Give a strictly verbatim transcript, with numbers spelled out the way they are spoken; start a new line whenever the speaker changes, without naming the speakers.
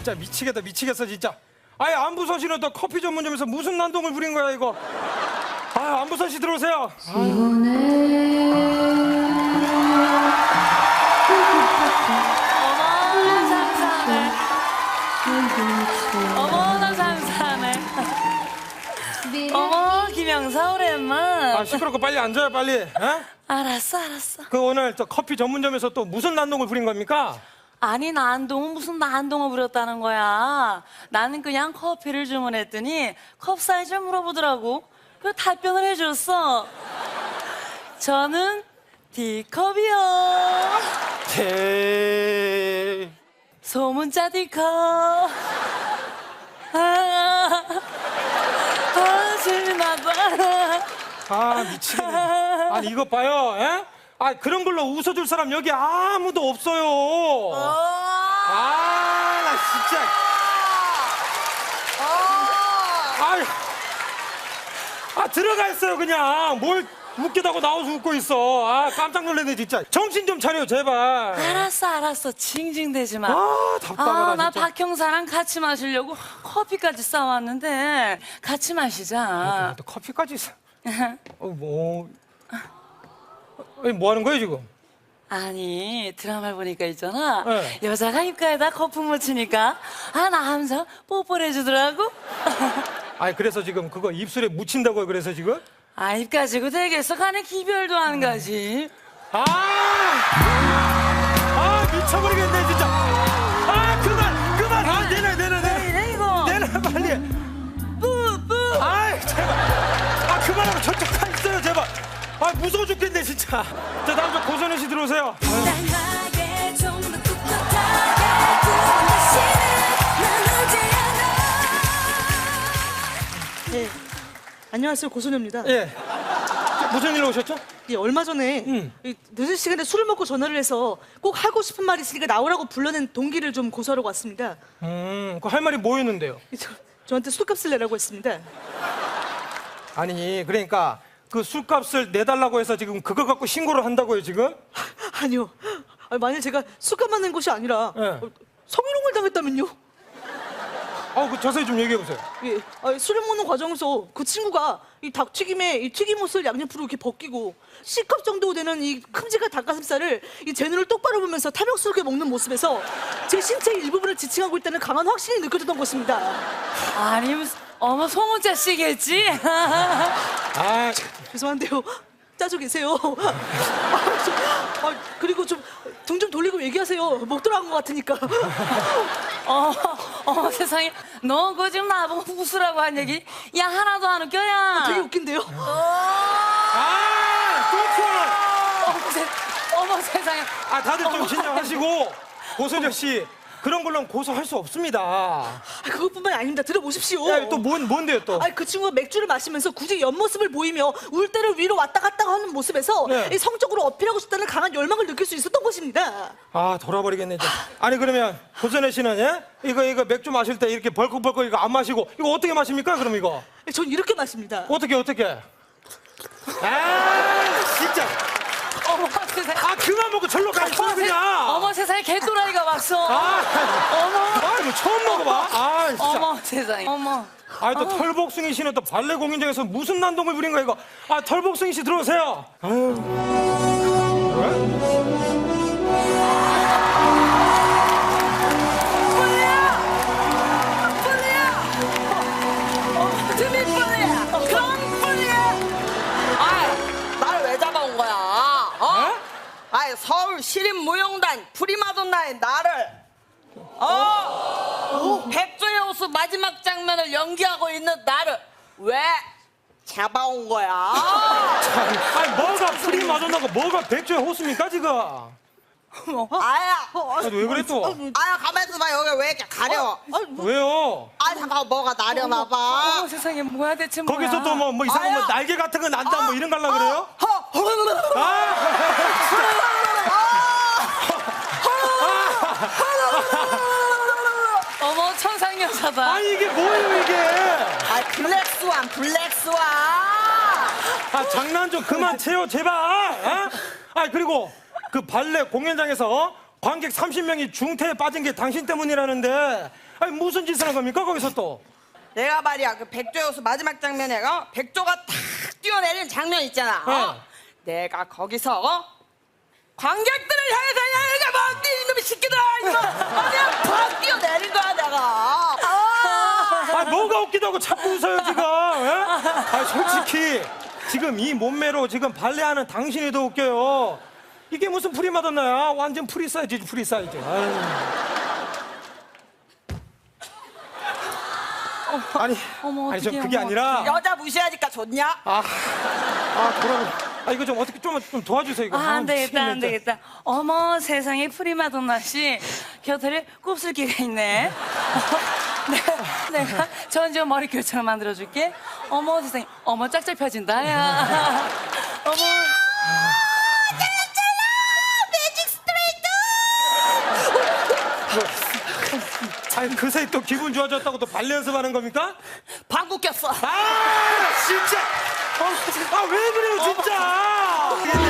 진짜 미치겠다 미치겠어 진짜. 아예 안부선 씨는 또 커피 전문점에서 무슨 난동을 부린 거야 이거. 아 안부선 씨 들어오세요.
어머나 상상해. 어머나 상상해. 어머 김영사 오랜만.
아 시끄럽고 빨리 앉아요 빨리. 에?
알았어 알았어.
그 오늘 저 커피 전문점에서 또 무슨 난동을 부린 겁니까?
아니 난동은 무슨 난동을 부렸다는 거야. 나는 그냥 커피를 주문했더니 컵 사이즈를 물어보더라고. 그 답변을 해줬어. 저는 D컵이요.
제...
소문자 D컵. 아, 아 재미나다.
아 미치겠네. 아니 이것 봐요. 에? 아 그런 걸로 웃어줄 사람 여기 아무도 없어요. 아 나 진짜. 아유. 아 들어가 있어요 그냥. 뭘 웃기다고 나와서 웃고 있어. 아 깜짝 놀랐네 진짜. 정신 좀 차려 제발.
알았어 알았어 징징대지 마.
아 답답하다
아, 나
진짜.
박형사랑 같이 마시려고 커피까지 싸왔는데 같이 마시자.
또 커피까지 사. 어, 뭐. 아니, 뭐 하는 거예요 지금?
아니 드라마를 보니까 있잖아.
네.
여자가 입가에다 거품 묻히니까 아 남자 뽀뽀를 해주더라고.
아니 그래서 지금 그거 입술에 묻힌다고요 그래서 지금?
아 입 가지고 되겠어. 간에 기별도 안 가지.
아! 아 미쳐버리겠네 진짜. 아 그만 그만. 아 내놔 내놔
왜
내놔.
이래 이거.
내놔 빨리.
뿌뿌.
아이 제발. 아 그만하고 저쪽 가 있어요 제발. 아 무서워 죽겠네 진짜. 자 다음 저 고선혜 씨 들어오세요.
달콤하게 좀 더 꿋꿋하게 두번 다시는 난 오지 않아.
예. 안녕하세요, 고소녀입니다.
예. 저 무슨 일로 오셨죠?
예, 얼마 전에
음.
이 늦은 시간에 술을 먹고 전화를 해서 꼭 하고 싶은 말이 있으니까 나오라고 불러낸 동기를 좀 고소하러 왔습니다.
음, 그 할 말이 뭐였는데요?
이 저, 저한테 술값을 내라고 했습니다.
아니 그러니까 그 술값을 내달라고 해서 지금 그거 갖고 신고를 한다고요 지금?
아니요. 아니, 만약 제가 술값만 낸 것이 아니라
예.
어, 성희롱을 당했다면요?
아 그 자세히 좀 얘기해 보세요.
예. 아, 술을 먹는 과정에서 그 친구가 이 닭튀김에 이 튀김옷을 양옆으로 이렇게 벗기고 C컵 정도 되는 이 큼직한 닭가슴살을 이 제 눈을 똑바로 보면서 탐욕스럽게 먹는 모습에서 제 신체 일부분을 지칭하고 있다는 강한 확신이 느껴졌던 것입니다.
아니 무슨 어머 소문자 씨겠지.
아
죄송한데요. 짜져 계세요. 아, 저, 아, 그리고 좀 등 좀 돌리고 얘기하세요. 목 들어간 것 같으니까.
어, 어 세상에 너 그거 지금 나보고 웃으라고 한 얘기 야 하나도 안 웃겨야.
되게 웃긴데요.
아, 또
어머, 세, 어머 세상에.
아 다들 좀 진정하시고 고소녀 씨 그런 걸로는 고소할 수 없습니다.
아, 그것뿐만이 아닙니다. 들어보십시오.
야 또 뭔 뭔데요 또?
아니 그 친구가 맥주를 마시면서 굳이 옆모습을 보이며 울대를 위로 왔다 갔다 하는 모습에서
네.
이 성적으로 어필하고 싶다는 강한 열망을 느낄 수 있었던 것입니다.
아 돌아버리겠네 이제. 아니 그러면 고소녀 씨는 예? 이거 이거 맥주 마실 때 이렇게 벌컥벌컥 이거 안 마시고 이거 어떻게 마십니까 그럼 이거?
전 이렇게 마십니다.
어떻게 어떻게? 아 진짜.
어머 세상에.
아 그만 먹고 절로 가 있어
어머, 세,
그냥.
어머 세상에 개또라이가 왔어.
아,
어머.
아 이거 처음 먹어봐. 아 진짜.
어머 세상에. 어머.
아니 또 털복숭이 씨는 또 발레 공연장에서 무슨 난동을 부린 거야 이거? 아 털복숭이 씨 들어오세요. 아유.
어머, 드미 뿔이야. 그런 뿔이야. 아이, 나를 왜 잡아온 거야? 어? 아이, 서울 시립무용단 프리마돈나의 나를 어? 백조의 호수 마지막 장면을 연기하고 있는 나를 왜 잡아온 거야?
아니 뭐가 프리 마돈나고 뭐가 백조의 호수입니까 지금?
아야,
아니 왜 그래 또?
아야, 가만 있어봐. 여기 왜 이렇게 가려?
왜요?
아, 잠깐 뭐가 나려나 봐.
어머 세상에 뭐야 대체 뭐야.
거기서 또 뭐 뭐 이상한 뭐
아야.
날개 같은 거 난다 뭐 이런 거 하려고 그래요?
허, 허,
아!
어머 천상여자다.
아니 이게 뭐예요 이게?
아, 블랙스완, 블랙스완.
아 장난 좀 그만 쳐요 제발. 어? 아 그리고 그 발레 공연장에서 관객 삼십 명이 중태에 빠진 게 당신 때문이라는데 아니 무슨 짓을 한 겁니까 거기서 또?
내가 말이야 그 백조 여수 마지막 장면에 어? 백조가 탁 뛰어내리는 장면 있잖아. 어?
네.
내가 거기서 어? 관객들을 향해서 야 이게 뭔데 이놈의 새끼들아 이거 그냥 팍 뛰어내린 거야 내가. 아,
아 뭐가 웃기다고 자꾸 웃어요 지금? 예? 아 솔직히 지금 이 몸매로 지금 발레하는 당신이 더 웃겨요. 이게 무슨 프리마돈나야? 완전 프리 사이즈지 프리 사이즈. 아유. 아니,
어머,
아니 저
어떡해,
그게
어머,
아니라
여자 무시하니까 좋냐?
아, 아 그럼 아 이거 좀 어떻게 좀, 좀 도와주세요 이거.
아, 안 되겠다, 안
미치겠네,
되겠다. 어머, 세상에 프리마돈나 씨 곁에 곱슬기가 있네. 내가, 내가 전지현 머리결처럼 만들어줄게. 어머, 세상에. 어머, 짝짝 펴진다, 야. 어머.
아니 그새 또 기분 좋아졌다고 또 발레 연습하는 겁니까?
방구 꼈어.
아 진짜 아 왜 그래요 진짜